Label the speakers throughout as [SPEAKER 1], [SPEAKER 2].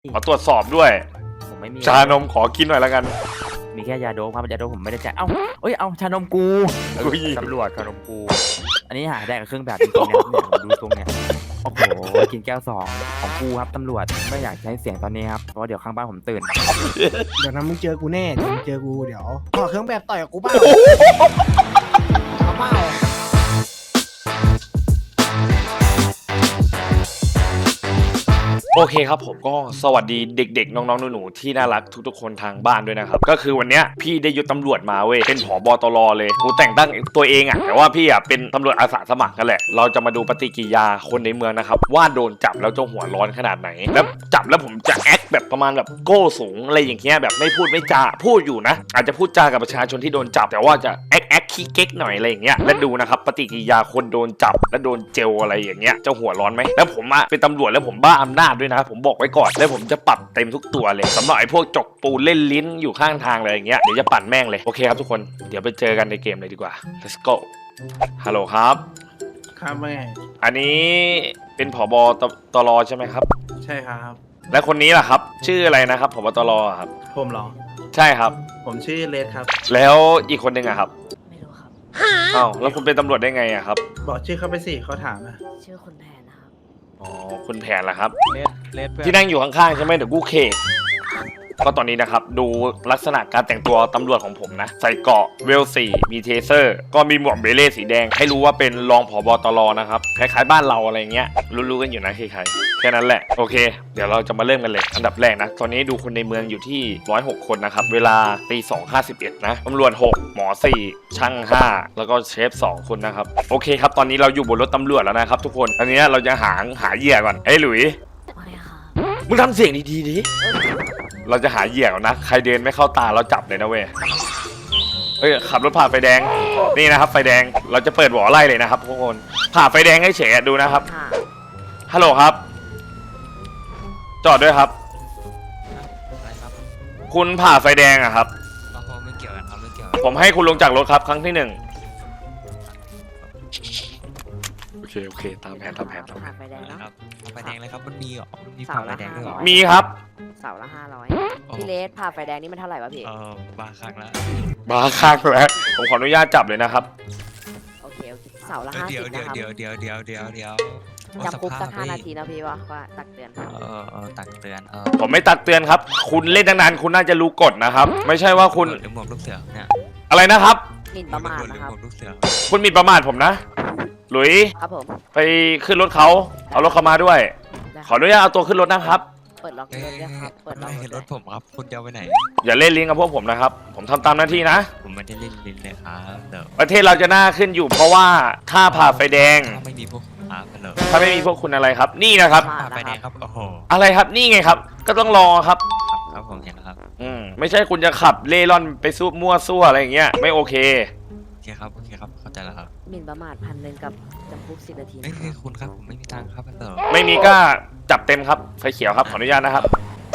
[SPEAKER 1] ขอตรวจสอบด้วย
[SPEAKER 2] ผมไม่มี
[SPEAKER 1] ชานมขอกินหน่อยแล้วกัน
[SPEAKER 2] มีแค่ยาโดปครับยาโดปผมไม่ได้แจกเอ้าชานมกูตำรวจชานมกูอันนี้หาได้กับเครื่องแบบจริงๆนะครับเนี่ยดูตรงเนี่ยโอ้โหกินแก้ว2ของกูครับตำรวจไม่อยากใช้เสียงตอนนี้ครับเพราะเดี๋ยวข้างบ้านผมตื่น
[SPEAKER 3] เดี๋ยวนะมึงเจอกูแน่เดี๋ยวมึงเจอกูเดี๋ยวขอเครื่องแบบต่อยกับกูเปล่าเอาเปล่า
[SPEAKER 1] โอเคครับผมก็สวัสดีเด็กๆน้องๆหนูๆที่น่ารักทุกๆคนทางบ้านด้วยนะครับก็คือวันเนี้ยพี่ได้ยศตำรวจมาเว้ยเป็นผบตรเลยกูแต่งตั้งตัวเองอ่ะแต่ว่าพี่อ่ะเป็นตำรวจอาสาสมัครกันแหละเราจะมาดูปฏิกิริยาคนในเมืองนะครับว่าโดนจับแล้วจะหัวร้อนขนาดไหนแล้วจับแล้วผมจะแอคแบบประมาณแบบโก้สูงอะไรอย่างเงี้ยแบบไม่พูดไม่จาพูดอยู่นะอาจจะพูดจากับประชาชนที่โดนจับแต่ว่าจะแอคขี้เก๊กหน่อยอะไรอย่างเงี้ยและดูนะครับปฏิกิริยาคนโดนจับและโดนเจลอะไรอย่างเงี้ยจะหัวร้อนไหมแล้วผมอ่ะเป็นตำรวจแล้วผมบ้าอำนาจด้วยนะผมบอกไว้ก่อนแล้วผมจะปรับเต็มทุกตัวเลยสำหรับไอ้พวกจกปูเล่นลิ้นอยู่ข้างทางอะไรอย่างเงี้ยเดี๋ยวจะปั่นแม่งเลยโอเคครับทุกคนเดี๋ยวไปเจอกันในเกมเลยดีกว่า let's go ฮัลโหลครับ
[SPEAKER 3] ครับแม่
[SPEAKER 1] อันนี้เป็นผบตรใช่ไหมครับ
[SPEAKER 3] ใช่ครับ
[SPEAKER 1] และคนนี้ล่ะครับ ชื่ออะไรนะครับผบตรครับ
[SPEAKER 3] ผมเหรอ
[SPEAKER 1] ใช่ครับ
[SPEAKER 3] ผมชื่อเลสครับ
[SPEAKER 1] แล้วอีกคนหนึ่งอะครับ
[SPEAKER 4] ไม่รู้ครับ
[SPEAKER 1] อ้าวแล้วคุณเป็นตำรวจได้ไงอะครับ
[SPEAKER 3] บอกชื่อเขาไปสิเขาถามนะ
[SPEAKER 4] ชื่อคุณแพนนะครับ
[SPEAKER 1] อ๋อคุณแผนล่ะครับ
[SPEAKER 5] เลสเพื่อน
[SPEAKER 1] ที่นั่งอยู่ข้างๆใช่ไหมเดี๋ยวกูเคก็ตอนนี้นะครับดูลักษณะการแต่งตัวตำรวจของผมนะใส่เกราะเวล4มีเทเซอร์ก็มีหมวกเบเล่สีแดงให้รู้ว่าเป็นรองผบตรนะครับคล้ายๆบ้านเราอะไรเงี้ยรู้ๆกันอยู่นะใครๆแค่นั้นแหละโอเคเดี๋ยวเราจะมาเริ่มกันเลยอันดับแรกนะตอนนี้ดูคนในเมืองอยู่ที่106คนนะครับเวลาตี 2:51นะตำรวจ6หมอ4ช่าง5แล้วก็เชฟ2คนนะครับโอเคครับตอนนี้เราอยู่บนรถตำรวจแล้วนะครับทุกคนอันนี้เราจะหาเหยื่อก่อนเฮ้ยหลุย
[SPEAKER 4] ไม่ค่ะ
[SPEAKER 1] มึงทำเสียงดีๆดิ เราจะหาเหยื่อนะ ใครเดินไม่เข้าตาเราจับเลยนะเว้ย เฮ้ยขับรถผ่าไฟแดง นี่นะครับไฟแดง เราจะเปิดหวอไล่เลยนะครับทุกคน ผ่าไฟแดงให้เฉยดูนะครับ
[SPEAKER 4] ค่ะ
[SPEAKER 1] ฮัลโหลครับ จอดด้วยครับ
[SPEAKER 5] อะไรครับ
[SPEAKER 1] คุณผ่าไฟแดงอะครับ
[SPEAKER 5] เราไม่เกี่ยวกันครับไม่เกี่ยว
[SPEAKER 1] ผมให้คุณลงจากรถครับครั้งที่ 1โอเคตามแผน
[SPEAKER 4] ผ่าไฟแดง
[SPEAKER 5] นะ
[SPEAKER 4] เนาะ
[SPEAKER 5] ครับไฟแดงเลยครับมันมีเหรอมันมี
[SPEAKER 4] เสา
[SPEAKER 5] ผ่าไฟ
[SPEAKER 4] ละ
[SPEAKER 5] แดงด้วยเหรอ
[SPEAKER 1] มีครับ
[SPEAKER 4] เสาละ500พี่เลสผ่าไฟแดงนี่มันเท่าไหร่วะพี่
[SPEAKER 5] บาครั้งละ
[SPEAKER 1] มาข้างแล้วผมขออนุญาตจับเลยนะครับ
[SPEAKER 4] โอเคเสาละ
[SPEAKER 5] เดี๋ยว
[SPEAKER 4] 50นะครับ
[SPEAKER 5] เดี๋ยว
[SPEAKER 4] จำคุกสัก5 นาทีนะพี่ว่าตักเตือนครับ
[SPEAKER 5] ตักเตือน
[SPEAKER 1] ผมไม่ตักเตือนครับ คุณเล่นตั้งนานคุณน่าจะรู้กฎนะครับ ไม่ใช่ว่าคุณ
[SPEAKER 5] หรือหมวกลูกเสือเนี่ย
[SPEAKER 1] อะไรนะครับ
[SPEAKER 4] หมิ่นประมาท
[SPEAKER 5] หรือ
[SPEAKER 4] นะครับ
[SPEAKER 5] หมวกลูกเสือ
[SPEAKER 1] คุณหมิ่นประมาทผมนะ หลุย
[SPEAKER 4] ครับผม
[SPEAKER 1] ไปขึ้นรถเขาเอารถเขามาด้วย
[SPEAKER 4] ได้
[SPEAKER 1] ขออนุญาตเอาตัวขึ้นรถนะครับ
[SPEAKER 4] เปิดล็อกรถด้วยครับเปิดล็
[SPEAKER 5] ไม่
[SPEAKER 4] อก
[SPEAKER 5] เห็น
[SPEAKER 4] ร
[SPEAKER 5] ร
[SPEAKER 4] ถ
[SPEAKER 5] ถผมครับคุณจะเอาไปไหน
[SPEAKER 1] อย่าเล่นลิงกับพวกผมนะครับ ผมทำตามหน้าที่นะ
[SPEAKER 5] ผมไม่ได้เล่นลิ้นเลยครับเดี๋ยว
[SPEAKER 1] ประเทศเราจะน่าขึ้นอยู่เพราะว่าถ้าผ่าไฟแดง
[SPEAKER 5] ถ้าไม่มีพวกคุณครับเดี๋ยว
[SPEAKER 1] ถ้าไม่มีพวกคุณอะไรครับ นี่นะครับ
[SPEAKER 5] ผ่าไฟแดงครับโอ้โห
[SPEAKER 1] อะไรครับนี่ไงครับ ก็ต้องรอครับ
[SPEAKER 5] ครับผมเห็นแล้วครับ
[SPEAKER 1] ไม่ใช่คุณจะขับเล่ร่อนไปสู้มั่วซั่วอะไรอย่างเงี้ยไม่โอเค
[SPEAKER 5] โอเคครับเข้าใจแล้วครับ
[SPEAKER 4] หมิ่นประมาท1,000กับจำคุก10 นาที
[SPEAKER 5] ไม่คือคุณครับผมไม่มีตังค์ครับเดี๋ยว
[SPEAKER 1] ไม่มีก็จับเต็มครับไฟเขียวครับขออนุญาตนะครับ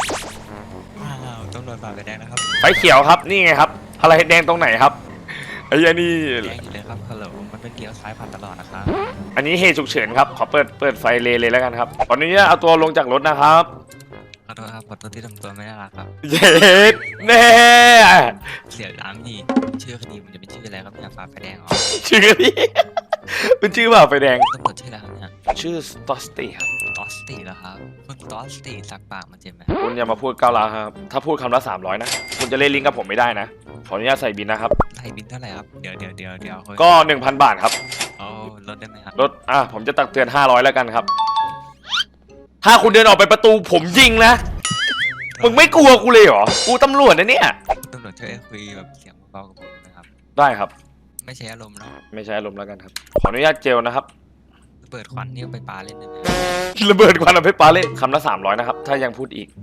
[SPEAKER 5] ต้องโดนผ่าไฟแดงนะครับ
[SPEAKER 1] ไฟเขียวครับนี่ไงครับอะไรแดงตรงไหนครับไอ้ยันนี่
[SPEAKER 5] แดงอยู่เลยครับฮัลโหลมันเป็นเลี้ยวซ้ายผ่านตลอดนะครับ
[SPEAKER 1] อันนี้เหตุฉุกเฉินครับขอเปิดไฟเลยแล้วกันครับขออนุญาตเอาตัวลงจากรถนะครับ
[SPEAKER 5] ขอโทษครับขอโทษที่ทำตัวไม่น่ารักครับ
[SPEAKER 1] เย็ดแน่
[SPEAKER 5] เสียร้านนี่ชื่อคดีมันจะเป็นชื่ออะไรครับเนี่ยฝ่าไฟแดงเหรอ
[SPEAKER 1] ชื่อนี่เป็นชื่อแบบไฟแดง
[SPEAKER 5] ตำรวจชื่ออะไรครับเนี่ย
[SPEAKER 1] ชื่อสตอสตี้ครับ
[SPEAKER 5] ตอสตีเหรอครับคุณตอสตีสักปากมันเจ็บไหม
[SPEAKER 1] คุณอย่ามาพูดก้าวร้าวครับถ้าพูดคำละ300นะคุณจะเล่นลิงก์กับผมไม่ได้นะขออนุญาตใส่บินนะครับ
[SPEAKER 5] ไทยบินเท่าไหร่ครับเดี๋ยวเฮ้ย
[SPEAKER 1] ก็ 1,000 บาทครับ
[SPEAKER 5] เอาลดได้ไหมครับ
[SPEAKER 1] รถผมจะตักเตือน500แล้วกันครับ ถ้าคุณเดินออกไปประตูผมยิงนะมึงไม่กลัวกูเลยเหรอกูตำรวจนะเนี่ย
[SPEAKER 5] ตำรวจช่วยคุยแบบเสียงเบาๆกับผมนะครับ
[SPEAKER 1] ได้ครับ
[SPEAKER 5] ไม่ใช้อารมณ์เนาะ
[SPEAKER 1] ไม่ใช่อารมณ์แล้วกันครับขออนุญาตเจลนะครับ
[SPEAKER 5] เปิดควันนี่เอาไปปาเล่นได้ไหม
[SPEAKER 1] ระเบิดควันเอาไปปาเล่นคำละ300นะครับถ้ายังพูดอีก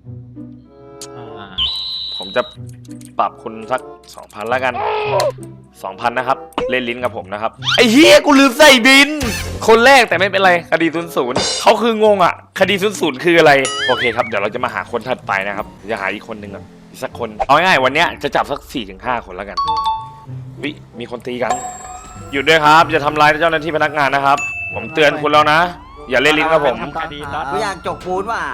[SPEAKER 1] ผมจะปรับคุณสัก 2,000แล้วกัน 2,000นะครับเล่นลิ้นกับผมนะครับไอ้เฮียกูลืมใส่บิน คนแรกแต่ไม่เป็นไรคดี00เขาคืองงอ่ะคดี00คืออะไรโอเคครับเดี๋ยวเราจะมาหาคนถัดไปนะครับจะหาอีกคนหนึ่งอ่ะอีกสักคนเอาง่ายๆวันเนี้ยจะจับสัก 4-5 คนแล้วกันวิมีคนตีกันหยุดด้วยครับอย่าทำร้ายเจ้าหน้าที่พนักงานนะครับผมเตือนคุณแล้วนะอย่าเล่นลิ้นกับผม
[SPEAKER 6] กูอยากจกปูนว่ะ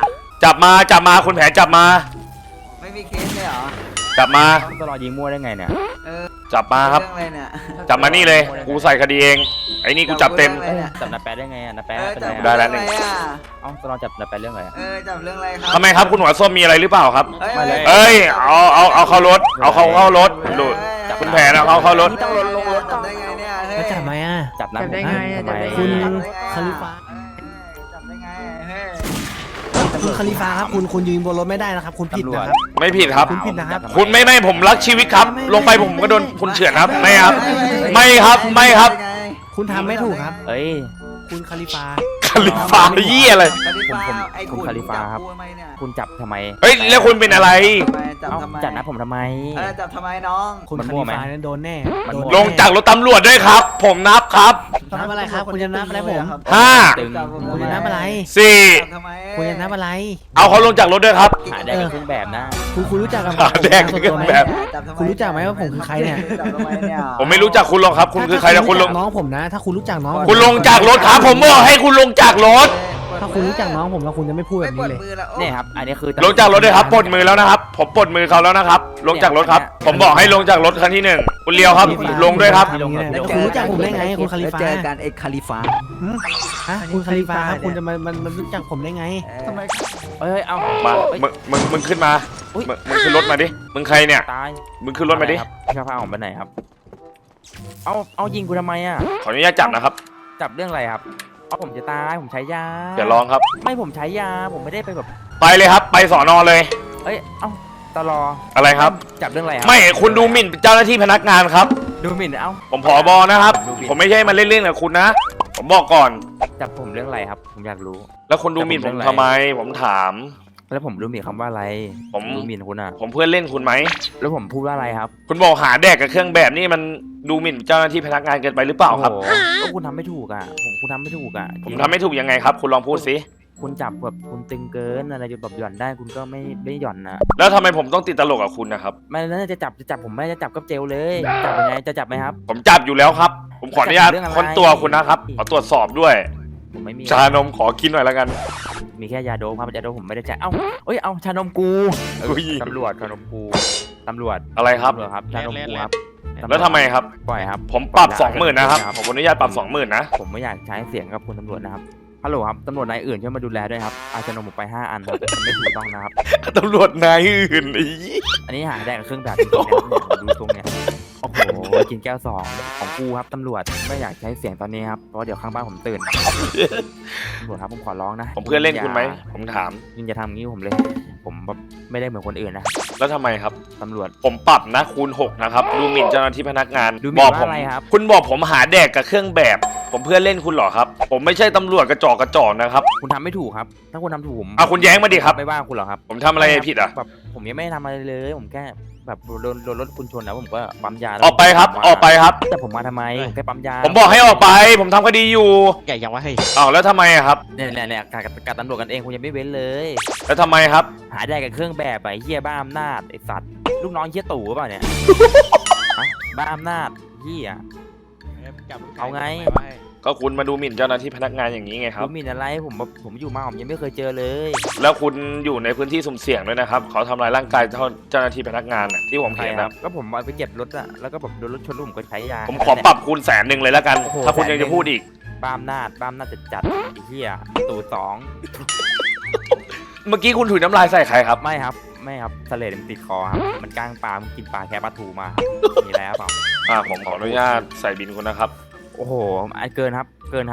[SPEAKER 1] จับมาคุณแผนจับมา
[SPEAKER 6] ไม่มีเคสเลยเหรอ
[SPEAKER 1] จับมา
[SPEAKER 2] ตลอดยิงมั่วได้ไงเนี่ย
[SPEAKER 6] เออ
[SPEAKER 1] จับมาครับ
[SPEAKER 6] เรื่องอะไรเนี่ย
[SPEAKER 1] จับมานี่เลยกูใส่คดีเองไอ้นี่กูจับเต็ม
[SPEAKER 6] จับเรื่องอะไรเนี่ย
[SPEAKER 2] จับนาแปะได้ไงนาแปะ
[SPEAKER 6] เออ
[SPEAKER 2] เป็น
[SPEAKER 6] จั
[SPEAKER 2] ไง
[SPEAKER 6] บ
[SPEAKER 1] ได้
[SPEAKER 2] อะ
[SPEAKER 1] แล้ว
[SPEAKER 6] เรื่องอะไรอ่ะ
[SPEAKER 2] เอ้าตลอดจับนาแปะเรื่องอะไรอะ
[SPEAKER 6] เออจับเรื่องอะไรครับ
[SPEAKER 1] ทำไมครับคุณหัวส้มมีอะไรหรือเปล่าครับ
[SPEAKER 6] เอ้ย
[SPEAKER 1] เอ้ยเอาเข้ารถเอาเข้ารถดูคุณแผนเอาเข้ารถ
[SPEAKER 4] ต้องลงรถก่อน
[SPEAKER 6] จับได้ไงเนี่ยเฮ้ย
[SPEAKER 3] แล้วจับไหมอ่ะ
[SPEAKER 2] จับนะ
[SPEAKER 4] จับได้ไงอะ
[SPEAKER 2] ทำไม
[SPEAKER 4] จับได้ไง
[SPEAKER 3] คุณ
[SPEAKER 6] จับได้ไง
[SPEAKER 3] คาลิฟา
[SPEAKER 6] จับได้ไงเฮ้ย
[SPEAKER 3] คุณคาลิฟาครับคุณยืนบนรถไม่ได้นะครับ คุณผิดนะครับ
[SPEAKER 1] ไม่ผิดครับ
[SPEAKER 3] คุณผิดนะครับ
[SPEAKER 1] คุณไม่ผมรักชีวิตครับ ลงไปผมก็โดนคุณเฉือนครับไม่ครับ ไม่ครับ
[SPEAKER 3] คุณทำไม่ถูกครับ
[SPEAKER 2] เอ้ย
[SPEAKER 3] คุณคาลิฟา
[SPEAKER 1] คาลิฟาเยี่ยอะไร
[SPEAKER 6] คาลิฟา
[SPEAKER 2] ผม
[SPEAKER 6] ไอ้
[SPEAKER 2] ผมคาลิฟาครับ
[SPEAKER 6] จักูทำไมเนี่ย
[SPEAKER 2] คุณจับทำไม
[SPEAKER 1] เฮ้ยแล้วคุณเป็นอะไร
[SPEAKER 6] ทำไมจับ
[SPEAKER 2] เอ้า
[SPEAKER 6] ทำไม
[SPEAKER 2] จับนะผมทำไม
[SPEAKER 6] เออจับทำไมน้อง
[SPEAKER 3] คุณ
[SPEAKER 2] มัน
[SPEAKER 3] คา
[SPEAKER 2] มั่
[SPEAKER 3] ลิ
[SPEAKER 2] วไหม
[SPEAKER 3] ฟานั้นโดนแน่
[SPEAKER 2] มัน
[SPEAKER 3] โดน
[SPEAKER 2] มั่ว
[SPEAKER 1] ลงจากรถตำรวจด้วยครับ ผมนับครับ
[SPEAKER 3] นับอะไรครับ คุณจะนับอะไรผม
[SPEAKER 1] ห้า
[SPEAKER 2] ตึง
[SPEAKER 6] จับผม
[SPEAKER 3] คุณ
[SPEAKER 6] ทำ
[SPEAKER 3] จะ
[SPEAKER 6] ไม
[SPEAKER 3] นับอะไร
[SPEAKER 1] สี่
[SPEAKER 6] จับทำไม
[SPEAKER 3] คุณจะนับอะไร
[SPEAKER 1] เอาเขาลงจากรถด้วยครับ
[SPEAKER 2] หาได้กับเครื่องแบบนะ
[SPEAKER 3] คุณรู้จักกับ
[SPEAKER 1] ขาแดง
[SPEAKER 3] ผม
[SPEAKER 1] ก็
[SPEAKER 3] ส่วนตัวไหม
[SPEAKER 1] แบบ
[SPEAKER 6] จับทำไม
[SPEAKER 3] คุณรู้จักไหมว่าผมคือใครเนี่ย
[SPEAKER 6] จับทำไมเนี่ย
[SPEAKER 1] ผมไม่รู้จักคุณหรอกครับ คุณคือใครนะคุณลง
[SPEAKER 3] น้องผมนะ ถ้าคุณรู้จักน้องผม
[SPEAKER 1] คุณลงจากรถครับ ผมบอกให้คุณลงจากรถ
[SPEAKER 3] ถ้าคุณรู้จักน้องผมแล้วคุณจะไม่พูดแบ
[SPEAKER 6] ไม่
[SPEAKER 3] บ
[SPEAKER 6] ป
[SPEAKER 3] นี้
[SPEAKER 6] วด
[SPEAKER 3] เลย
[SPEAKER 6] มือแล้ว
[SPEAKER 2] เนี่ยครับ อันนี้คือ
[SPEAKER 1] ลงจากรถด้วยครับปลดมือแล้วนะครับ ผมปลดมือเขาแล้วนะครับ ลงจากรถครับ ผมบอกให้ลงจากรถคันที่หนึ่งคุณเลียวครับ ลงด้วยครับ
[SPEAKER 3] แล้วคุณรู้จักผมได้ไงคุณคาลิฟา
[SPEAKER 6] เจอกันไอ้คาลิฟา
[SPEAKER 3] ฮะคุณคาลิฟาครับคุณจะมันรู้จักผมได้ไง
[SPEAKER 6] ทำไม
[SPEAKER 2] เอ้ย เอา
[SPEAKER 1] มา
[SPEAKER 2] เอ้ย
[SPEAKER 1] มึงขึ้นมา
[SPEAKER 2] อุ๊ย
[SPEAKER 1] มึงขึ้นรถมาดิ มึงใครเนี่ย
[SPEAKER 2] ตาย
[SPEAKER 1] มึงขึ้นรถมาดิ
[SPEAKER 2] ครับพี่พาผมไปไหนครับ เอายิงกูทำไมอ่ะ
[SPEAKER 1] ขออนุญาตจับนะครับ
[SPEAKER 2] จับเรื่องอะไรครับ เอาผมจะตาย ผมใช้ยา
[SPEAKER 1] อย่าร้องครับ
[SPEAKER 2] ไม่ผมใช้ยา ผมไม่ได้ไปแบบ
[SPEAKER 1] ไปเลยครับ ไปสอนอเลย
[SPEAKER 2] เอ้ย เอ้าตลอ
[SPEAKER 1] อะไรครับ
[SPEAKER 2] จับเรื่องอะไรครับ
[SPEAKER 1] ไม่คุณดูหมิ่นเจ้าหน้าที่พนักงานครับ
[SPEAKER 2] ดูหมิ่น เอ้า
[SPEAKER 1] ผมผอบอนะครับ ผมไม่ใช่มาเล่นๆกับคุณนะ ผมบอกก่อน
[SPEAKER 2] จับผมเรื่องอะไรครับ ผมอยากรู้
[SPEAKER 1] แล้วคุณดูหมิ่นผมทำไม ผมถาม
[SPEAKER 2] แล้วผมรู้หมิ่นคำว่าอะไร
[SPEAKER 1] ผม
[SPEAKER 2] รู้หมิ่นคุณอ่ะ
[SPEAKER 1] ผมเพื่อนเล่นคุณไหม
[SPEAKER 2] แล้วผมพูดว่าอะไรครับ
[SPEAKER 1] คุณบอกหาแดกกับเครื่องแบบนี่มันดูหมิ่นเจ้าหน้าที่พนักงานเกินไปหรือเปล่าครับ
[SPEAKER 2] โอ้โหก็คุณทำไม่ถูกอ่ะ คุณทำไม่ถูกอ่ะ
[SPEAKER 1] ผมทำไม่ถูกยังไงครับ คุณลองพูดสิ
[SPEAKER 2] คุณจับแบบคุณตึงเกินอะไรจนแบบหย่อนได้คุณก็ไม่หย่อนนะ
[SPEAKER 1] แล้วทำไมผมต้องติดตลกกับคุณนะครับ
[SPEAKER 2] ไม่แล้วจะจับผมไม่จะจับก็เจลเลย จับยังไงจะจับไหมครับ
[SPEAKER 1] ผมจับอยู่แล้วครับ ผมขออนุญาต
[SPEAKER 2] เรื่องอะไร
[SPEAKER 1] ค้นตัวคุณนะครับ ขอตรวจสอบด้วย
[SPEAKER 2] ผมไม่มี
[SPEAKER 1] ชานมขอกินหน่อยแล้วกัน
[SPEAKER 2] มีแค่ยาโดปครับยาโดปผมไม่ได้จ่ายเอ้าเอ้ยเอาชานมกู
[SPEAKER 1] อุ้ย
[SPEAKER 2] ตำรวจชานมกูตำรวจ
[SPEAKER 1] อะไรครับ
[SPEAKER 2] ตำรวจครับชานมกูครับ
[SPEAKER 1] แล้วทำไมครับ
[SPEAKER 2] ปล่อยครับ
[SPEAKER 1] ผมปรับ 20,000นะครับ ผมขออนุญาตปรับ 20,000นะ
[SPEAKER 2] ผมไม่อยากใช้เสียงกับคุณตำรวจนะครับฮัลโหลครับตำรวจนายอื่นช่วยมาดูแลด้วยครับเอาชานมผมไป5 อันครับมันไม่ถูกต้องนะครับ
[SPEAKER 1] ตำรวจนายอื่นอี
[SPEAKER 2] อันนี้หาได้กับเครื่องแบบจริงๆนะครับเนี่ยดูตรงเนี่ยโอ้โหกินแก้ว2ของกูครับตำรวจไม่อยากใช้เสียงตอนนี้ครับเพราะเดี๋ยวข้างบ้านผมตื่นตำรวจครับผมขอร้องนะ
[SPEAKER 1] ผมเพื่อนเล่นคุณไหม ผมถาม
[SPEAKER 2] ยิงจะทำงี้ผมเลย ผมแบบไม่ได้เหมือนคนอื่นนะ
[SPEAKER 1] แล้วทำไมครับ
[SPEAKER 2] ตำรวจ
[SPEAKER 1] ผมปรับนะคูณ 6 นะครับ ดูหมิ่นเจ้าหน้าที่พนักงาน
[SPEAKER 2] ดูหมิ่น
[SPEAKER 1] บอก
[SPEAKER 2] ว่า
[SPEAKER 1] ผม
[SPEAKER 2] อะไรครับ
[SPEAKER 1] คุณบอกผมหาแดกกับเครื่องแบบ ผมเพื่อนเล่นคุณเหรอครับ ผมไม่ใช่ตำรวจกระจอกนะครับ
[SPEAKER 2] คุณทำไม่ถูกครับ ถ้าคุณทำถูกผม
[SPEAKER 1] เอาคุณแย้งมาดิครับ
[SPEAKER 2] ไม่ว่าคุณหรอกครับ
[SPEAKER 1] ผมทำอะไรผิดอ่ะ
[SPEAKER 2] แบบผมยังไม่ได้ทำอะไรเลย ผมแค่แบบโดนรถคุณชนแล้วผมก็ปั๊มยาแล้ว
[SPEAKER 1] ออกไปครับ ออกไปครับ
[SPEAKER 2] แต่ผมมาทำไมผมแค่ปั๊มยา
[SPEAKER 1] ผมบอกให้ออกไป ผมทำคดีอยู่
[SPEAKER 5] ใหญ่ยังวะเฮ้ย
[SPEAKER 1] อ้าวแล้วทำไมอะครับ
[SPEAKER 2] เนี่ยการตำรวจกันเองคุณยังไม่เว้นเลย
[SPEAKER 1] แล้วทำไมครับ
[SPEAKER 2] หาได้กับเครื่องแบบไอ้เหี้ยบ้าอำนาจไอ้สัตว์ลูกน้องเหี้ยตู่หรือเปล่าเนี่ย ฮะบ้าอำนาจเหี้ย เอาไง
[SPEAKER 1] ก็คุณมาดูหมิ่นเจ้าหน้าที่พนักงานอย่างนี้ไงครับ
[SPEAKER 2] ผมมีอะไรผมอยู่มาผมยังไม่เคยเจอเลย
[SPEAKER 1] แล้วคุณอยู่ในพื้นที่สุ่มเสี่ยงด้วยนะครับ เขาทำลายร่างกายเจ้าหน้าที่พนักงานน่ะที่ผม
[SPEAKER 2] ใคร
[SPEAKER 1] เห็น
[SPEAKER 2] ค
[SPEAKER 1] นะ
[SPEAKER 2] รับก็ผมเอาไปเก็บรถอะแล้วก็แบบโดนรถชนแล้วผมก็ใช้ยา
[SPEAKER 1] ผมขอปรับคูณ100,000เลยแล้วกัน
[SPEAKER 2] โอ้โห
[SPEAKER 1] ถ้าคุณยังจะพูดอีก
[SPEAKER 2] บ้าอำนาจจัดไอ้เหี้ยตู่สอง
[SPEAKER 1] เมื่อกี้คุณถุยน้ำลายใส่ใครครับ
[SPEAKER 2] ไม่ครับทะเลมันติดคอครับมันกลางปลามันกินปลาแค่ปลาทูมามีแล้วเปล่า
[SPEAKER 1] ผมขออนุญาตใส่บินคุณนะครับ
[SPEAKER 2] โอ้โหอันเกินครับ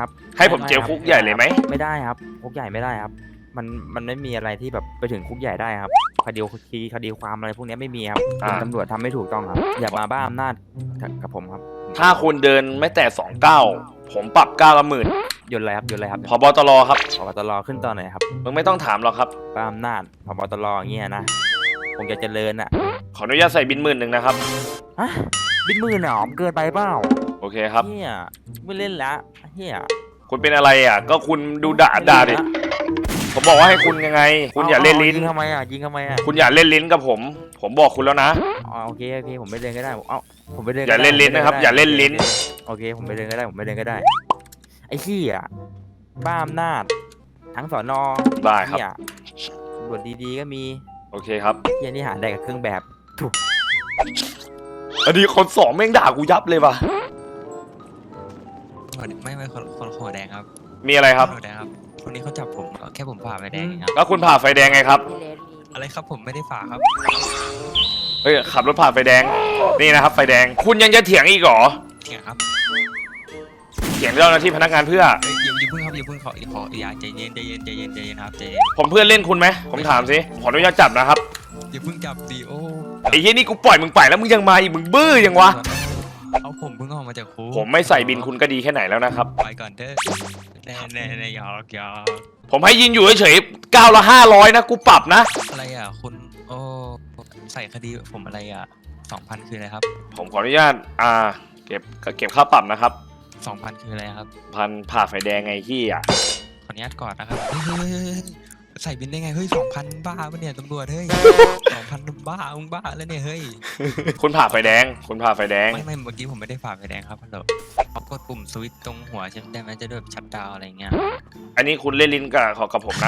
[SPEAKER 1] ให้ผมเจลคุกใหญ่เลยไหม
[SPEAKER 2] ไม่ได้ครับคุกใหญ่ไม่ได้ครับ มันไม่มีอะไรที่แบบไปถึงคุกใหญ่ได้ครับคดีความอะไรพวกนี้ไม่มีครับตำรวจทำไม่ถูกต้องครับ อย่ามาบ้าอำนาจกับผมครับ
[SPEAKER 1] ถ้าคุณเดินไม่แต่2 9ผมปรับ9
[SPEAKER 2] ยนต์อะไรครับ
[SPEAKER 1] ผบตรครับ
[SPEAKER 2] ผบตรขึ้นตอนไหนครับ
[SPEAKER 1] มึงไม่ต้องถามหรอกครับ
[SPEAKER 2] บ้าอำนาจผบตรอย่างเงี้ยนะคงจะเจริญอ่ะ
[SPEAKER 1] ขออนุญาตใส่บิน10,000นะครับ
[SPEAKER 2] ฮะบินมือหนอมเกินไปเปล่า
[SPEAKER 1] โอเคครับ
[SPEAKER 2] เฮียไม่เล่นละเฮีย
[SPEAKER 1] คุณเป็นอะไรอ่ะ ก็คุณดูด่าดิ ผมบอกว่าให้คุณยังไง คุณอย่าเล่นลิ้น
[SPEAKER 2] ยิงทำไมอ่ะ
[SPEAKER 1] คุณอย่าเล่นลิ้นกับผม ผมบอกคุณแล้วนะ
[SPEAKER 2] อ๋อโอเคผมไปเดินก็ได้ผมไปเดิน
[SPEAKER 1] อย่าเล่นลิ้นนะครับอย่าเล่นลิ้น
[SPEAKER 2] โอเคผมไปเดินก็ได้ไอ้ขี้อ่ะบ้าอำนาจทั้งสอนอ
[SPEAKER 1] ได้ครับ
[SPEAKER 2] เหี้ยำรวจดีๆก็มี
[SPEAKER 1] โอเคครับ
[SPEAKER 2] เฮียนี่หาได้กับเครื่องแบบถูก
[SPEAKER 1] อันนี้คนสองแม่งด่ากูยับเลยว่ะ
[SPEAKER 5] ไม่คนหัวแดงครับ
[SPEAKER 1] มีอะไรครับ
[SPEAKER 5] หัวแดงครับคนนี้เขาจับผมแค่ผมฝ่าไฟแดงเองครับ
[SPEAKER 1] แล้วคุณผ่าไฟแดงไงครับ
[SPEAKER 4] พี่เลสมี
[SPEAKER 5] อะไรครับผมไม่ได้ฝ่าครับ
[SPEAKER 1] เฮ้ยขับรถผ่าไฟแดงนี่นะครับไฟแดงคุณยังจะเถียงอีกเหรอ
[SPEAKER 5] เถียงครับ
[SPEAKER 1] เถียงเจ้าหน้าที่พนักงานเพื่อ
[SPEAKER 5] เอ้ยอย่าเพิ่งครับอย่าเพิ่งขออย่าใจเย็นครับใจเย็น
[SPEAKER 1] ผมเพื่อนเล่นคุณไหมผมถามสิขออนุญาตจับนะครับ
[SPEAKER 5] อย่าเพิ่งจับดิโอ้
[SPEAKER 1] ไอ้เหี้ยนี่กูปล่อยมึงไปแล้วมึงยังมาอีกมึงบื้อยังวะ
[SPEAKER 5] เอาผมเพิ่งออกมาจากคุก
[SPEAKER 1] ผมไม่ใส่บินคุณก็ดีแค่ไหนแล้วนะครับ
[SPEAKER 5] ไปก่อนเถอะแน่หยอก
[SPEAKER 1] ผมให้ยินอยู่เฉยๆ9ละ500นะกูปรับนะ
[SPEAKER 5] อะไรอ่ะคุณโอ้ใส่คดีผมอะไรอ่ะ2,000คืออะไรครับ
[SPEAKER 1] ผมขออนุญาตเก็บค่าปรับนะครับ
[SPEAKER 5] 2,000คืออะไรครับ
[SPEAKER 1] พันผ่าไฟแดงไงที่อ่ะ
[SPEAKER 5] ขออนุญาตก่อนนะครับเฮ้ยใส่บินได้ไงเฮ้ย2,000บ้าปะเนี่ยตำรวจเฮ้ย2,000บ้ามึงบ้าแล้วเนี่ยเฮ้ย
[SPEAKER 1] คุณผ่าไฟแดงคุณผ่าไฟแดง
[SPEAKER 5] ไม่เมื่อกี้ผมไม่ได้ฝ่าไฟแดงครับฮัลโหลเขากดปุ่มสวิตช์ตรงหัวใช่ไหมได้ไหมจะได้แบบชัตดาวน์อะไรเงี้ย
[SPEAKER 1] อันนี้คุณเล่นลิ้นกับผมนะ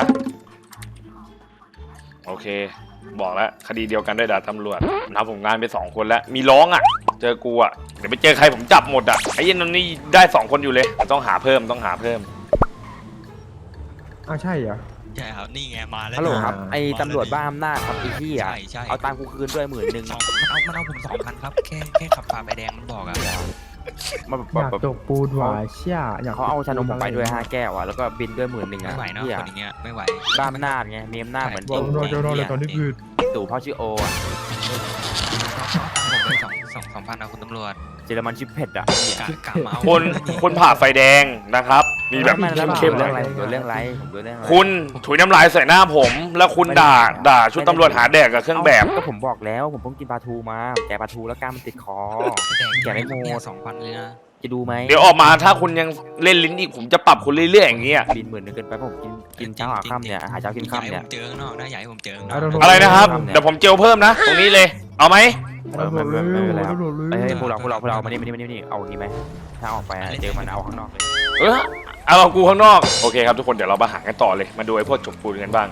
[SPEAKER 1] โอเค บอกแล้วคดีเดียวกันด้วยด่าตำรวจนับผมงานไป2คนแล้วมีร้องอ่ะ เจอกูอ่ะเดี๋ยวไปเจอใครผมจับหมดอ่ะไอ้ยันนนี่ได้2คนอยู่เลยต้องหาเพิ่ม
[SPEAKER 3] อ้าวใช่เหรอ
[SPEAKER 5] ใช่ครับนี่ไงมาแล้ว
[SPEAKER 2] ฮัลโหลครับ
[SPEAKER 3] อ่า
[SPEAKER 2] ไอ้ตำรวจบ้าอำนาจครับไอ้เฮีย
[SPEAKER 5] ใช่
[SPEAKER 2] เอาตังค์กูคืนด้วย10,000
[SPEAKER 5] มันเอาผม2,000ครับแค่ขับฝ่าไฟแดงมันบอกอ่ะ
[SPEAKER 2] มา
[SPEAKER 3] อยากจกปูนหวายเชี่ยอยาก
[SPEAKER 2] เขาเอาชานมผมไปด้วย5 แก้วอ่ะแล้วก็บินด้วย10,000
[SPEAKER 5] ไม่
[SPEAKER 2] อ่ะ
[SPEAKER 5] ไหวเนาะ
[SPEAKER 2] เฮีย
[SPEAKER 5] คนอย่างเงี้ยไม่ไหว
[SPEAKER 2] บ้าอำนาจไงมีอำนาจเหมือน
[SPEAKER 5] โด
[SPEAKER 2] ตู่
[SPEAKER 5] นตอนนี้คือ
[SPEAKER 2] ตู่พ่อชื่อโออ่ะ
[SPEAKER 5] ผมไป2,000นะคุณตำรวจ
[SPEAKER 2] เจอรมันชิปเผ็ดอ่ะ
[SPEAKER 5] กะมาเอา
[SPEAKER 1] คุณผ่าไฟแดงนะครับ มีแบบ
[SPEAKER 2] ไม่แล้ว
[SPEAKER 1] เข้มๆ
[SPEAKER 2] เรื่
[SPEAKER 1] เล
[SPEAKER 2] องอะไร
[SPEAKER 1] ย
[SPEAKER 2] ผมโดนเรื่องอะไรผมโดนเรื่องอะไร
[SPEAKER 1] คุณถุยน้ำลายใส่หน้าผม แล้วคุณด่าชุดตำรวจหาแดกกับเครื่องแบบ
[SPEAKER 2] ก็ผมบอกแล้วผมเพิ่งกินปลาทูมาแกะปลาทูแล้วกล้ามมันติดคอ
[SPEAKER 5] แดงเนี่ย2,000เลยนะ
[SPEAKER 2] จะดูไหม
[SPEAKER 1] เดี๋ยวออกมาถ้าคุณยังเล่นลิ้นอีกผมจะปรับคุณเรื่อยๆอย่างเงี้ย
[SPEAKER 2] บิน10,000เกินไปเพราะผมกินเช้าหาค่ำเนี่ยหาเช้ากินค่ำเนี่ย
[SPEAKER 5] ผมเจอข้างนอกนะอย่าให้ผมเจอข้างนอก
[SPEAKER 1] อะไรนะครับเดี๋ยวผมเจลเพิ่มนะ ตรงนี้เลย เอาไหม
[SPEAKER 2] ไม่เป็นไรครับเฮ้ยพวกเรามานี่เอาอย่างนี้ไหมถ้าออกไปเจอมันเอาข้างนอกเลย
[SPEAKER 1] เอากูข้างนอกโอเคครับทุกคนเดี๋ยวเรามาหากันต่อเลยมาดูไอ้พวกจบปูนกันบ้าง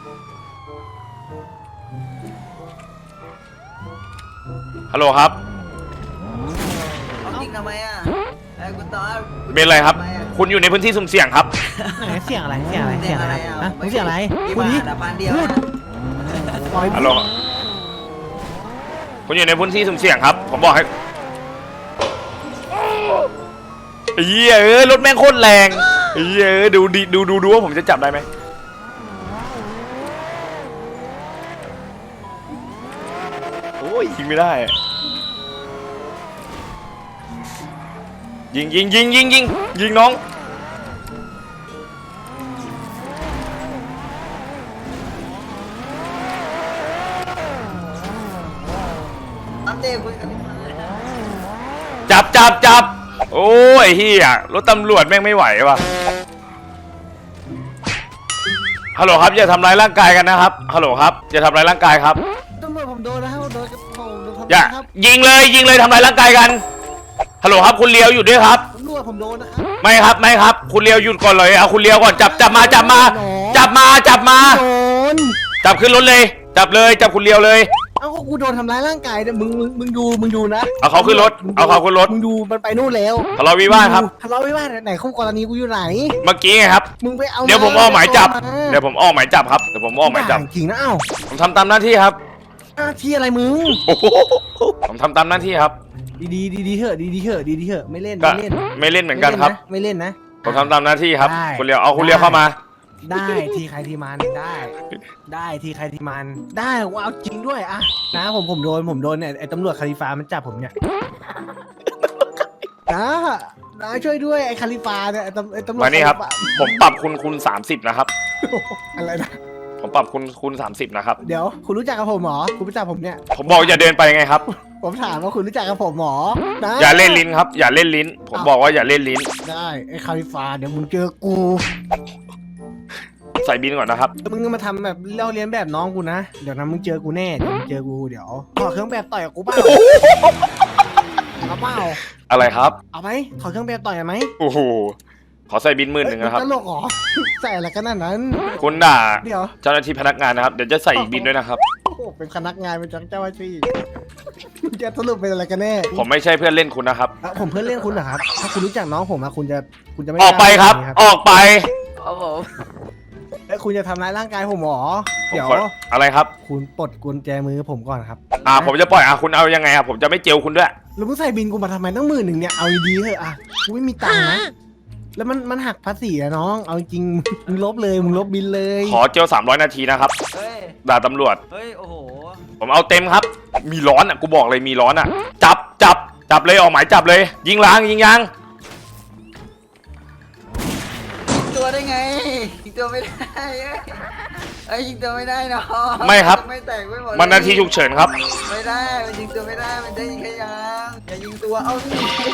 [SPEAKER 1] ฮัลโหลครับ
[SPEAKER 6] เอาจริงทำไมอ่ะไอ้คุณตอน
[SPEAKER 1] เป็นไรครับ คุณอยู่ในพื้นที่สุ่มเสี่ยงครับ
[SPEAKER 3] ไหนเสียงอะไรเสียงอะไร
[SPEAKER 6] เสี
[SPEAKER 3] เสี
[SPEAKER 6] ย
[SPEAKER 3] ย
[SPEAKER 6] ง
[SPEAKER 3] ง
[SPEAKER 6] อะ
[SPEAKER 3] อะไร ไร
[SPEAKER 6] อ่ะ
[SPEAKER 3] ฮะมึงเสียงอะไร
[SPEAKER 6] กี่
[SPEAKER 3] คุณ
[SPEAKER 6] บา
[SPEAKER 3] นี่
[SPEAKER 6] ทอะพันเดียวนะ
[SPEAKER 3] ปล่อย
[SPEAKER 1] ฮัลโหลคุณอยู่ในพื้นที่สุ่มเสี่ยงครับ ผมบอกให้ไอ้เหี้ยรถแม่งโคตรแรงไอ้เหี้ยดูว่าผมจะจับได้ไหมโอ้ยยิงไม่ได้อะยิงน้อง
[SPEAKER 6] อัปเดตคุยกัน
[SPEAKER 1] จับโอ้ยเฮียรถตำรวจแม่งไม่ไหวว่ะฮัลโหลครับอย่าทำร้ายร่างกายกันนะครับฮัลโหลครับอย่าทำร้ายร่างกายครับ
[SPEAKER 3] ตำรวจผมโดนนะครับโดนทำ
[SPEAKER 1] อย่า
[SPEAKER 3] ครับ
[SPEAKER 1] ยิงเลยทำร้ายร่างกายกันฮัลโหลครับคุณเลียวอยู่ด้วยครับ
[SPEAKER 3] ตำรวจผมโดนนะครับ
[SPEAKER 1] ไม่ครับคุณเลียวหยุดก่อนเลยเอาคุณเลียวก่อนจับมาจับขึ้นรถเลยจับคุณเลียวเลย
[SPEAKER 3] เอ้าก็กูโดนทำร้ายร่างกายเนี่ยมึงดูนะ
[SPEAKER 1] เอาเขาขึ้นรถ
[SPEAKER 3] มึงดูมันไปนู่นแล้ว
[SPEAKER 1] ทะเลาะวิวาทครับ
[SPEAKER 3] ทะเลาะวิวาทไหนคู่กรณีกูอยู่ไหน
[SPEAKER 1] เมื่อกี้ไงครับ
[SPEAKER 3] มึงไปเอา
[SPEAKER 1] เดี๋ยวผมออกหมายจับครับ
[SPEAKER 3] จริงนะเอ้า
[SPEAKER 1] ผมทำตามหน้าที่ครับ
[SPEAKER 3] หน้าที่อะไรมึง
[SPEAKER 1] โอ้โหผมทำตามหน้าที่ครับ
[SPEAKER 3] ดีเถอะไม่เล่น
[SPEAKER 1] ก็ไม่เล่นเหมือนกันครับ
[SPEAKER 3] ไม่เล่นนะ
[SPEAKER 1] ผมทำตามหน้าที่ครับ
[SPEAKER 3] ได้
[SPEAKER 1] คุณเลียวเอาคุณเลียวเข้ามา
[SPEAKER 3] ได้ทีใครทีมันได้ทีใครทีมันได้ว่าเอาจริงด้วยอะนะผมโดนเนี่ยไอ้ตำรวจคาลิฟามันจับผมเนี่ยนะช่วยด้วยไอ้คาลิฟาเนี่ยไอ้ตำรวจ
[SPEAKER 1] มานี่ครับ
[SPEAKER 3] คาลิฟา
[SPEAKER 1] ผมปรับคุณ30นะครับ
[SPEAKER 3] อะไรนะ
[SPEAKER 1] ผมปรับคุณ30นะครับ
[SPEAKER 3] เดี๋ยวคุณรู้จักกับผมหรอคุณรู้จักผมเนี่ย
[SPEAKER 1] ผมบอกอย่าเดินไปไงครับ
[SPEAKER 3] ผมถามว่าคุณรู้จักกับผมหรอนะ
[SPEAKER 1] อย่าเล่นลิ้นครับ อย่าเล่นลิ้น ผมบอกว่าอย่าเล่นลิ้น
[SPEAKER 3] ได้ไอ้คาลิฟาเดี๋ยวมึงเจอกู
[SPEAKER 1] ใส่บินก่อนนะครับ
[SPEAKER 3] มึงก็มาทำแบบเล่าเรียนแบบน้องกูนะเดี๋ยวนะมึงเจอกูแน่เดี๋ยวขอเครื่องแบบต่อยกับกูเปล่าเอาเปล่า
[SPEAKER 1] อะไรครับ
[SPEAKER 3] เอาไหมขอเครื่องแบบต่อยไหม
[SPEAKER 1] โอ้โหขอใส่บิน10,000นะครับ
[SPEAKER 3] ตลกเหรอ ใส่อะไรกันนั่นนั้น
[SPEAKER 1] คุณด่า
[SPEAKER 3] เดี๋ยว
[SPEAKER 1] เจ้าหน้าที่พนักงานนะครับเดี๋ยวจะใส่อีกบินด้วยนะครับ
[SPEAKER 3] โอ้โหเป็นพนักงานเป็นเจ้าหน้าที่จะสรุปเป็นอะไรกันแน่
[SPEAKER 1] ผมไม่ใช่เพื่อนเล่นคุณนะครับ
[SPEAKER 3] อ่ะผมเพื่อนเล่นคุณเหรอครับ ถ้าคุณรู้จักน้องผมอะคุณจะไม่
[SPEAKER 1] ออกไปครับ
[SPEAKER 3] กล้า
[SPEAKER 1] ออกไป
[SPEAKER 4] ครับผม
[SPEAKER 3] แล้วคุณจะทำร้ายร่างกายผมเหรอ
[SPEAKER 1] ผม
[SPEAKER 3] เดี๋ยว
[SPEAKER 1] ขออะไรครับ
[SPEAKER 3] คุณปลดกุญแจมือผมก่อนครับ
[SPEAKER 1] ผมจะปล่อยคุณเอายังไงครับผมจะไม่เจลคุณด้วย
[SPEAKER 3] แล้วมึงใส่บินกูมาทำไมตั้ง10,000เนี่ย เอาดีๆเถอะอะกูไม่มีตังค์นะ แล้วมันหักภาษีอะน้อง เอาจริงมึงลบเลยมึงลบบินเลย
[SPEAKER 1] ขอเจล300 นาทีนะครับ
[SPEAKER 6] เฮ้ย
[SPEAKER 1] ด่าตำรวจ
[SPEAKER 6] เฮ้ย โอ้โห
[SPEAKER 1] ผมเอาเต็มครับ มีร้อนอ่ะกูบอกเลยมีร้อนอ่ะ จับเลยออกหมายจับเลย ยิงล้างยิงยาง
[SPEAKER 6] ยิงตัวได้ไง ยิงตัวไม่ได้เอ้ยยิงตัวไม่ได้เนาะ
[SPEAKER 1] ไม่ครับ
[SPEAKER 6] ไม่แตกไม่หมดเลย
[SPEAKER 1] มันนาทีฉุกเฉินครับ
[SPEAKER 6] ไม่ได้ มันยิงตัวไม่ได้ มันได้ยิงแค่ยางอย่ายิงตัว เอาสิ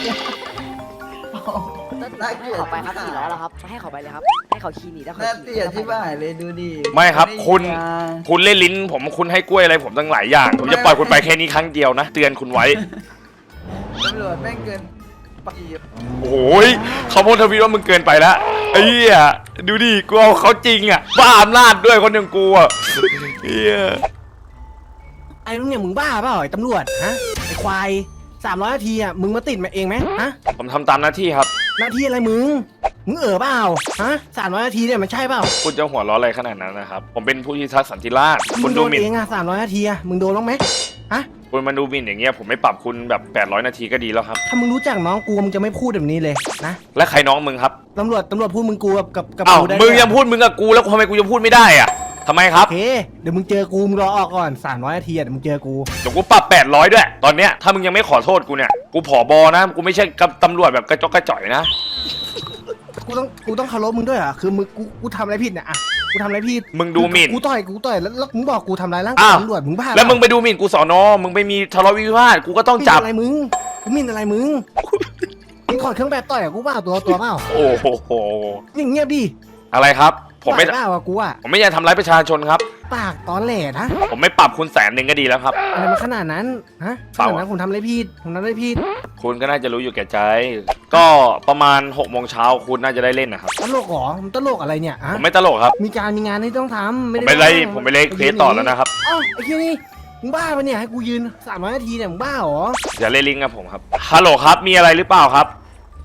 [SPEAKER 6] น่าเกลียด
[SPEAKER 4] ขอไปครับ400แล้วครับให้เขาไปเลยครับให้เขาขี่หนีแล้วเขา
[SPEAKER 6] น่า
[SPEAKER 4] ขี่
[SPEAKER 6] เกลียดที่บ้านเลยดูดิ
[SPEAKER 1] ไม่ครับ
[SPEAKER 6] ด้ยิง
[SPEAKER 1] คุณ
[SPEAKER 6] ยาง
[SPEAKER 1] คุณเล่นลิ้นผมคุณให้กล้วยอะไรผมตั้งหลายอย่าง ผมจะปล่อยคุณไปแค่นี้ครั้งเดียวนะ เตือนคุณไว้
[SPEAKER 6] ตำรวจแม่งเกินไป
[SPEAKER 1] โอ้ยเขาโพสต์ทวีตว่ามึงเกินไปแล้วไอ้เหี้ยดูดิกูเอาเขาจริงอ่ะบ้าอำนาจด้วยคนอย่างกูอ่ะเหี้ย
[SPEAKER 3] ไอ้ลุงเนี่ยมึงบ้าเปล่าไอ้ตำรวจฮะไอ้ควาย300 นาทีอะมึงมาติดมาเองไหมฮะ
[SPEAKER 1] ผมทำตามหน้าที่ครับ
[SPEAKER 3] หน้าที่อะไรมึงเปล่าฮะ300 นาทีเนี่ยมันใช่เปล่า
[SPEAKER 1] คุณจะหัวเราะอะไรขนาดนั้นนะครับ ผมเป็นผู้พิทักษ์สันติราษฎร์
[SPEAKER 3] มึ
[SPEAKER 1] คุ
[SPEAKER 3] ง
[SPEAKER 1] ณ
[SPEAKER 3] โด
[SPEAKER 1] ดู
[SPEAKER 3] น
[SPEAKER 1] หมิ่น
[SPEAKER 3] เองอะ300 นาทีอะมึงโดนบ้างไหมฮะ
[SPEAKER 1] คุณมาดูหมิ่นอย่างเงี้ยผมไม่ปรับคุณแบบ800 นาทีก็ดีแล้วครับ
[SPEAKER 3] ถ้ามึงรู้จักน้องกูมึงจะไม่พูดแบบนี้เลยนะ
[SPEAKER 1] และใครน้องมึงครับ
[SPEAKER 3] ตำรวจพูดมึงกูกับ
[SPEAKER 1] อ้าว
[SPEAKER 3] กูได้
[SPEAKER 1] มึง
[SPEAKER 3] ด้วย
[SPEAKER 1] ยังพูดมึงกับกูแล้วทำไมกูจะพูดไม่ได้อ่ะทำไมครับ
[SPEAKER 3] โอเคเดี๋ยวมึงเจอกูมึงรอออกก่อน300 นาทีอะเดี๋ยวมึงเจอกู
[SPEAKER 1] เดี๋ยวกูปรับ800ด้วยตอนเนี้ยถ้ามึงยังไม่ขอโทษกูเนี่ยกูผอบอนะกูไม่ใช่กับตำรวจแบบกระจอกกระจ่อยนะ
[SPEAKER 3] กูต้องเคารพมึงด้วยเหรอ่ะคือมึงกูทำอะไรผิดเนี่ยอะกูทำอะไรผิด
[SPEAKER 1] มึงดูหมิ่น
[SPEAKER 3] กูต่อยแล้วมึงบอกกูทำร้ายร่างกาย
[SPEAKER 1] อ้าว
[SPEAKER 3] ตำรวจมึงบ้า
[SPEAKER 1] แล้วมึงไปดูหมิ่นกูสอนอมึงไปมีทะเลาะวิวาทกูก็ต้อง
[SPEAKER 3] หมิ่น
[SPEAKER 1] จับ
[SPEAKER 3] อะไรมึงกูหมิ่นอะไรมึงมึงถอดเครื่องแบบต่อยอะกูเปล่าตัวเปล่า
[SPEAKER 1] โอ้โห
[SPEAKER 3] อย่างเงียบดิ
[SPEAKER 1] อะไรครับ ผมไม่
[SPEAKER 3] ไหวเปล่าอะกูอะ
[SPEAKER 1] ผมไม่อยากทำร้ายประชาชนครับ
[SPEAKER 3] ปากตอนแหลนะ
[SPEAKER 1] ผมไม่ปรับคุณ100,000ก็ดีแล้วครับ
[SPEAKER 3] อะไรมาขนาดนั้นฮะข
[SPEAKER 1] เปล่า
[SPEAKER 3] นาดนั้นผมทำอะไรผิดผมทำอะไรผิด
[SPEAKER 1] คุณก็น่าจะรู้อยู่แก่ใจ ก็ประมาณ6 โมงเช้าคุณน่าจะได้เล่นนะครับ
[SPEAKER 3] ตลกเหรอมึงตลกอะไรเนี่ย
[SPEAKER 1] ผ
[SPEAKER 3] ฮะ
[SPEAKER 1] มไม่ตลกครับ
[SPEAKER 3] มีงานที่ต้องทำ
[SPEAKER 1] ผมไปไล่ผมไปเล่นเควสต่อแล้วนะครับ
[SPEAKER 3] เอ้าไอ้ที่นี่มึงบ้าปะเนี่ยให้กูยืน300 นาทีเนี่ยมึงบ้าเหรอ
[SPEAKER 1] อย่าเล่นลิงก์กับผมครับฮัลโหลครับมีอะไรหรือเปล่าครับ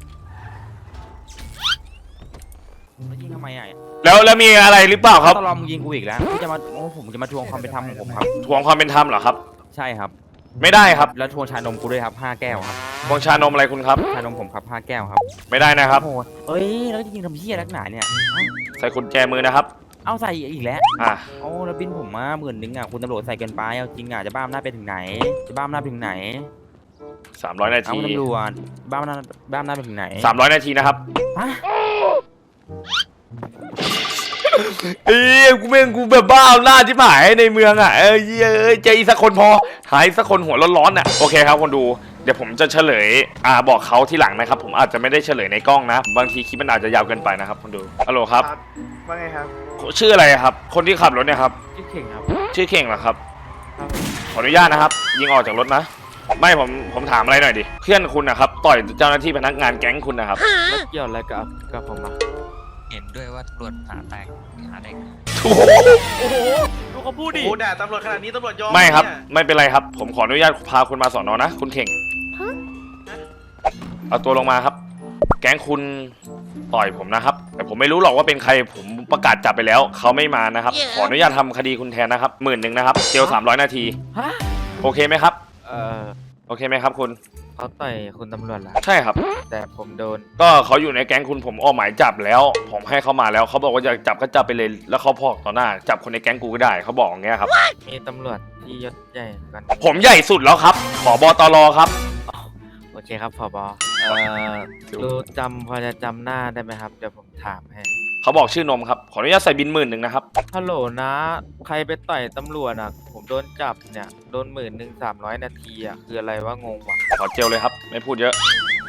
[SPEAKER 2] แล้วยิงทำไมอ่ะ
[SPEAKER 1] แล้วมีอะไรหรือเปล่าครับ
[SPEAKER 2] ตลอดมึงยิงกูอีกแล้วกูจะมาผมจะมาทวงความเป็นธรรมของผมครับ
[SPEAKER 1] ทวงความเป็นธรรมเหรอครับ
[SPEAKER 2] ใช่ครับ
[SPEAKER 1] ไม่ได้ครับ
[SPEAKER 2] แล้วทวงชานมกูด้วยครับ5 แก้วครับ
[SPEAKER 1] ทวงชานมอะไรคุณครับ
[SPEAKER 2] ชานมผมครับ5 แก้วครับ
[SPEAKER 1] ไม่ได้นะครับ
[SPEAKER 2] โอ้โหเอ้ยแล้วจะยิงทำเหี้ยนักหนาเนี่ยเอ้า
[SPEAKER 1] ใส่กุญแจมือนะครับ
[SPEAKER 2] เอาใส่อีกแล้ว
[SPEAKER 1] อ่ะ
[SPEAKER 2] โอ้แล้วบินผมมา10,000อ่ะคุณตำรวจใส่เกินไปเอาจริงอ่ะจะบ้าอำนาจไปถึงไหนจะบ้าอำนาจไปถึงไหน
[SPEAKER 1] 300 นา
[SPEAKER 2] เอา
[SPEAKER 1] ที
[SPEAKER 2] คุณตำรวจบ้าอำนาจไปถึงไหน
[SPEAKER 1] 300 นาทีนะครับ
[SPEAKER 2] ฮะ
[SPEAKER 1] กูแบบบ้าอำนาจที่หายในเมืองอ่ะเจออีกสักคนพอหายสักคนหัวร้อนๆอ่ะโอเคครับคนดูเดี๋ยวผมจะเฉลยบอกเขาที่หลังนะครับ ผมอาจจะไม่ได้เฉลยในกล้องนะ บางทีคลิปมันอาจจะยาวเกินไปนะครับคนดูฮัลโหลครับ
[SPEAKER 7] ว่าไงครับ
[SPEAKER 1] ชื่ออะไรครับ คนที่ขับรถเนี่ยครับ
[SPEAKER 2] ชื่อเข่งครับ
[SPEAKER 1] ชื่อเข่งเหรอครับ
[SPEAKER 2] ครับ
[SPEAKER 1] ขออนุญาตนะครับ ยิงออกจากรถนะ ไม่ผมถามอะไรหน่อยดิเพื่อนคุณนะครับต่อยเจ้าหน้าที่พนักงานแก๊งคุณนะครับ
[SPEAKER 2] แล้วเกี่ยวอะไรกับผมอ่ะ
[SPEAKER 5] เห็นด้วยว่าตำรวจหาแตกหาแดง
[SPEAKER 1] โอ้โห
[SPEAKER 2] ดูเขาพูดดิ
[SPEAKER 7] โอ้ด่าตำรวจขนาดนี้ตำรวจยอม
[SPEAKER 1] ไม่ครับ
[SPEAKER 7] เนี่ย
[SPEAKER 1] ไม่เป็นไรครับ ผมขออนุญาตพาคุณมาสอนอนะ คุณเข่งเอาตัวลงมาครับ แก๊งคุณต่อยผมนะครับ แต่ผมไม่รู้หรอกว่าเป็นใครผมประกาศจับไปแล้วเขาไม่มานะครับ ขออนุญาตทำคดีคุณแทนนะครับ10,000นะครับเจล300 นาที
[SPEAKER 2] ฮะ
[SPEAKER 1] โอเคไหมครับ
[SPEAKER 2] เออ
[SPEAKER 1] โอเคไหมครับคุณ
[SPEAKER 2] เขาต่อยคุณตำรวจเหรอ
[SPEAKER 1] ใช่ครับ
[SPEAKER 2] แต่ผมโดน
[SPEAKER 1] ก็เขาอยู่ในแก๊งคุณผมออกหมายจับแล้ว ผมให้เขามาแล้วเขาบอกว่าจะจับก็จับไปเลยแล้วเขาพอกต่อหน้าจับคนในแก๊งกูก็ได้เขาบอกอย่างเงี้ยครับ
[SPEAKER 2] มีตำรวจที่ยศใหญ่กัน
[SPEAKER 1] ผมใหญ่สุดแล้วครับผบตรครับ
[SPEAKER 2] โอเคครับผบพอจะจำหน้าได้ไหมครับเดี๋ยวผมถามให้
[SPEAKER 1] เขาบอกชื่อนมครับขออนุญาตใส่บิน10,000นะครับ
[SPEAKER 2] ฮัลโหลนะ ใครไปต่อยตำรวจอ่ะ ผมโดนจับเนี่ยโดน10,000 300 นาทีอ่ะคืออะไรวะงงวะ
[SPEAKER 1] ขอเจลเลยครับ ไม่พูดเยอะ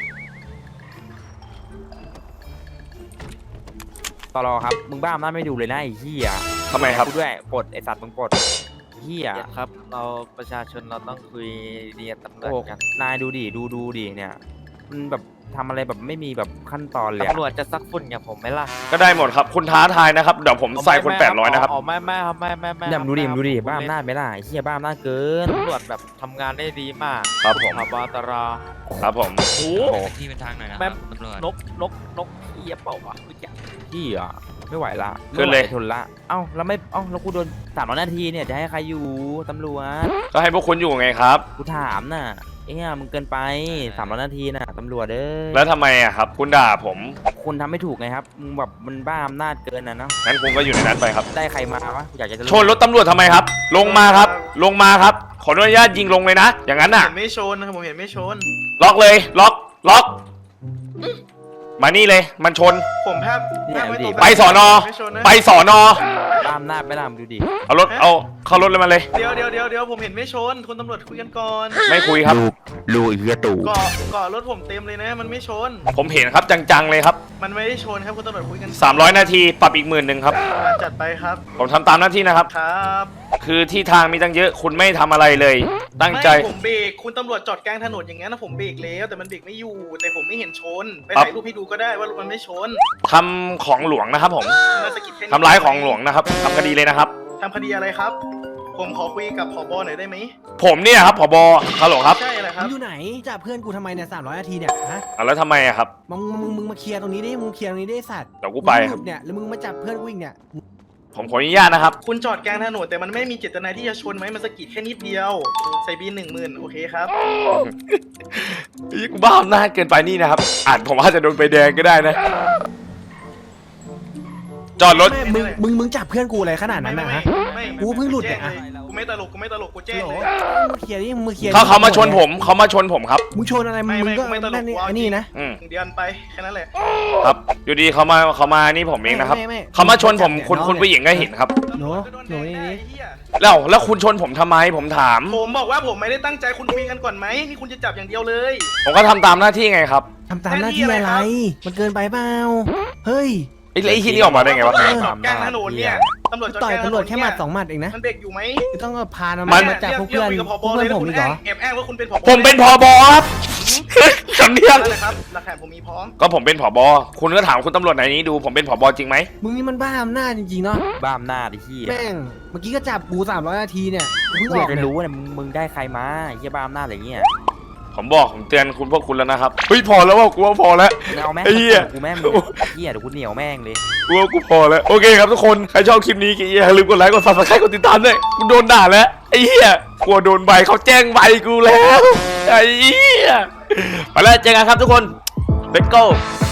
[SPEAKER 2] ตลอครับมึงบ้าอำนาจไม่ดูเลยนะไอ้เหี้ย
[SPEAKER 1] ทำไมครับ
[SPEAKER 2] กูด้วยปลดไอ้สัตว์มึงปลดเหี้ย
[SPEAKER 8] ครับ เราประชาชนเราต้องคุยดีกับตำรวจ
[SPEAKER 2] โอ้
[SPEAKER 8] กัน
[SPEAKER 2] นายดูดิดูดิเนี่ยมันแบบทำอะไรแบบไม่มีแบบขั้นตอนเลย
[SPEAKER 8] ตำรวจจะซักฝุ่นกับผมไหมล่ะ
[SPEAKER 1] ก็ได้หมดครับคุณท้าทายนะครับเดี๋ยวผมใส่คน800นะครับ
[SPEAKER 8] อ๋อไม่ครับไม่
[SPEAKER 2] เนี่ยมึงดูดิบ้าอำนาจไหมล่ะไอ้เหี้ยบ้าอำนาจเกิน
[SPEAKER 8] ตำรวจแบบทำงานได้ดีมาก
[SPEAKER 1] ครับผม
[SPEAKER 8] ผบตร
[SPEAKER 1] ครับผม
[SPEAKER 8] โอ้
[SPEAKER 2] โอ้
[SPEAKER 5] ที่เป็นทางหน่อยนะค
[SPEAKER 8] แม่
[SPEAKER 5] รับตำรวจ
[SPEAKER 8] นกเอียเปล่าวะไม่จัก
[SPEAKER 2] พี่อ่ะไม่ไหวละ
[SPEAKER 1] ขึ้นเลย
[SPEAKER 2] ไม่ไหวทนละเอ้าแล้วไม่เอ้าแล้วกูโดน300 นาทีเนี่ยจะให้ใครอยู่ตำรวจ
[SPEAKER 1] ก็ให้พวกคุณอยู่ไงครับ
[SPEAKER 2] กูถามน่ะเอ้ยมึงเกินไป300 นาทีน่ะตำรวจเอ้ย
[SPEAKER 1] แล้วทำไมอะครับ คุณด่าผม
[SPEAKER 2] คุณทำไม่ถูกไงครับมึงแบบมันบ้าอำนาจเกินนะเนาะ
[SPEAKER 1] งั้นคุณก็อยู่ในนั้นไปครับ
[SPEAKER 2] ได้ใครมาวะอยากจะ
[SPEAKER 1] ชนรถตำรวจทำไมครับ ลงมาครับ ลงมาครับ ขออนุญาตยิงลงเลยนะ อย่างนั้นน่ะ
[SPEAKER 7] เห็นไม่ชนนะครับผมเห็นไม่ชน
[SPEAKER 1] ล็อกเลย ล็อก มานี่เลย มันชน
[SPEAKER 7] ผมแทบไม่ตก
[SPEAKER 1] ไปสอนอ
[SPEAKER 7] ไม่ชนนะ
[SPEAKER 1] ไปสอนอ
[SPEAKER 2] บ้าอำนาจไม่ล่ะมึงดูดิ
[SPEAKER 1] เอารถ เอาเข้ารถเลยมาเลย
[SPEAKER 7] เดี๋ยวผมเห็นไม่ชนคุณตำรวจคุยกันก่อน
[SPEAKER 1] ไม่คุยครับ
[SPEAKER 2] ลูกไอ้เหี้ยตู่
[SPEAKER 7] เกาะรถผมเต็มเลยนะ มันไม่ชน
[SPEAKER 1] ผมเห็นครับจังๆเลยครับ
[SPEAKER 7] มันไม่ได้ชนครับคุณตำรวจคุยกัน
[SPEAKER 1] 300 นาทีปรับอีก10,000ครับ
[SPEAKER 7] จัดไปครับ
[SPEAKER 1] ผมทำตามหน้าที่นะครับ
[SPEAKER 7] ครับ
[SPEAKER 1] คือที่ทางมีตั้งเยอะคุณไม่ทำอะไรเลย ตั้งใจ
[SPEAKER 7] ไม่ผมเบรกคุณตำรวจจอดกลางถนนอย่างงั้นนะผมเบรกแล้วแต่มันเบรกไม่อยู่ แต่ผมไม่เห็นชน ไปถ่ายรูปให้ดูก็ได้ว่ารถมันไม่ชน
[SPEAKER 1] ทำของหลวงนะครับผม
[SPEAKER 7] มาสะกิดแค่นี้
[SPEAKER 1] ทำร้ายของหลวงนะครับทำคดีเลยนะครับ
[SPEAKER 7] ทำคดีอะไรครับ ผมขอคุยกับผบหน่อยได้ไหม
[SPEAKER 1] ผมเนี่ยครับผบฮัลโหลครับ
[SPEAKER 7] ใช่อะไรค
[SPEAKER 3] มึ
[SPEAKER 7] รับ
[SPEAKER 3] งอยู่ไหนจับเพื่อนกูทำไมเนี่ย300 นาทีเนี่ยฮะ
[SPEAKER 1] อ่ะแล้วทำไมอะครับ
[SPEAKER 3] มึงมาเคลียร์ตรงนี้ดิมึงเคลียร์ตรงนี้ดิไอ้สัตว์
[SPEAKER 1] เดี๋ยวกูไป
[SPEAKER 3] มึง
[SPEAKER 1] ค
[SPEAKER 3] ห
[SPEAKER 1] รับ
[SPEAKER 3] ลุดเนี่ยแล้วมึงมาจับเพื่อนกูอีกเนี่ย
[SPEAKER 1] ผมขออนุญาตนะครับ
[SPEAKER 7] คุณจอดกลางถนนแต่มันไม่มีเจตนาที่จะชนไหมมันสะกิดแค่นิดเดียว ใส่บิน10,000โอเคครับ
[SPEAKER 1] กูบ้าอำนาจเกินไปนี่นะครับอาจผมอาจจะโดนใบแดงก็ได้นะ จอดรถ
[SPEAKER 3] ไม่มึงจับเพื่อนกูอะไรขนาดนั้นนะฮะ
[SPEAKER 7] ไม่
[SPEAKER 3] กูเพิ่งหลุดเนี่ย
[SPEAKER 7] แจ้เลยกูไม่ตลกกูแจ้ง
[SPEAKER 3] โหล
[SPEAKER 7] เลย
[SPEAKER 3] มึงเคลียร์ดิมึงเคลียร์
[SPEAKER 1] เขามาชนผมครับ
[SPEAKER 3] มึงชนอะไรมึง
[SPEAKER 7] ไม่
[SPEAKER 3] ก็
[SPEAKER 7] ไม่ตลก
[SPEAKER 3] นั่นนี่
[SPEAKER 7] กูเอา
[SPEAKER 3] ไอ้นี่นะ
[SPEAKER 1] อืม
[SPEAKER 7] เดือนไปแค่นั้นแหละ
[SPEAKER 1] ครับ อยู่ดีเขามานี่ผมเองนะครับ
[SPEAKER 3] ไม่
[SPEAKER 1] เขามาชนผมคุณผู้หญิงก็เห็นครับ
[SPEAKER 3] หนูนี่นี่
[SPEAKER 1] แล้วคุณชนผมทำไมผมถาม
[SPEAKER 7] ผมบอกว่าผมไม่ได้ตั้งใจคุณคุยกันก่อนไหมนี่คุณจะจับอย่างเดียวเลย
[SPEAKER 1] ผมก็ทำตามหน้าที่ไงครับ
[SPEAKER 3] ทำตามหน้าที่อะไร มันเกินไปเปล่าเฮ้ย
[SPEAKER 1] ไอ้ที่นี่ออกมาได้ไงวะ
[SPEAKER 7] จอดกลางถนนเนี่ยตำรวจจอด
[SPEAKER 3] ต่อย
[SPEAKER 7] กลางถนน
[SPEAKER 3] ตำรวจแค่หมัด2 หมัดเองนะ
[SPEAKER 7] มันเบรกอยู่ไหม
[SPEAKER 3] ต้องพา
[SPEAKER 1] มั
[SPEAKER 3] มัน มาจับพวกเพื่อน
[SPEAKER 7] รีย
[SPEAKER 3] พวกเพื่อนผมอีกเหรอ
[SPEAKER 7] แอบอ้างว่าคุณเป็นผบ
[SPEAKER 1] ผมเป็นผบครับ สำเนียง
[SPEAKER 7] นั่นแหละครับหลักฐานผมมีพร้อม
[SPEAKER 1] ก็ผมเป็นผบคุณก็ถามคุณตำรวจไหนนี้ดูผมเป็นผบจริงไหม
[SPEAKER 3] มึงนี่มันบ้าอำนาจจริงๆเนาะ
[SPEAKER 2] บ้าอำนาจไอ้เหี้ย
[SPEAKER 3] แม่งเมื่อกี้ก็จับกู300 นาทีเนี่ยเพิ่ง
[SPEAKER 2] กู
[SPEAKER 3] อ
[SPEAKER 2] อ
[SPEAKER 3] อย
[SPEAKER 2] าก ก
[SPEAKER 3] เนี่ย
[SPEAKER 2] จะรู้เนี่ยมึงได้ใครมาไอ้เหี้ยบ้าอำนาจอะไรเงี้ย
[SPEAKER 1] ผมเตือนพวกคุณแล้วนะครับเฮ้ยพอแล้วว่ากูว่าพอแล้ว
[SPEAKER 2] เอาแม่ง
[SPEAKER 1] ไอ้เหี้ย
[SPEAKER 2] กูแม่งเหี้ยเดี๋ยวกูเหนียวแม่งเลย
[SPEAKER 1] กูว่ากูพอแล้วโอเคครับทุกคนใครชอบคลิปนี้อย่าลืมกดไลค์กด subscribe กดติดตามด้วยกูโดนด่าแล้วไอ้เหี้ยกลัวโดนใบเขาแจ้งใบกูแล้วไอ้เหี้ยไปแล้วเจอกันครับทุกคน let's go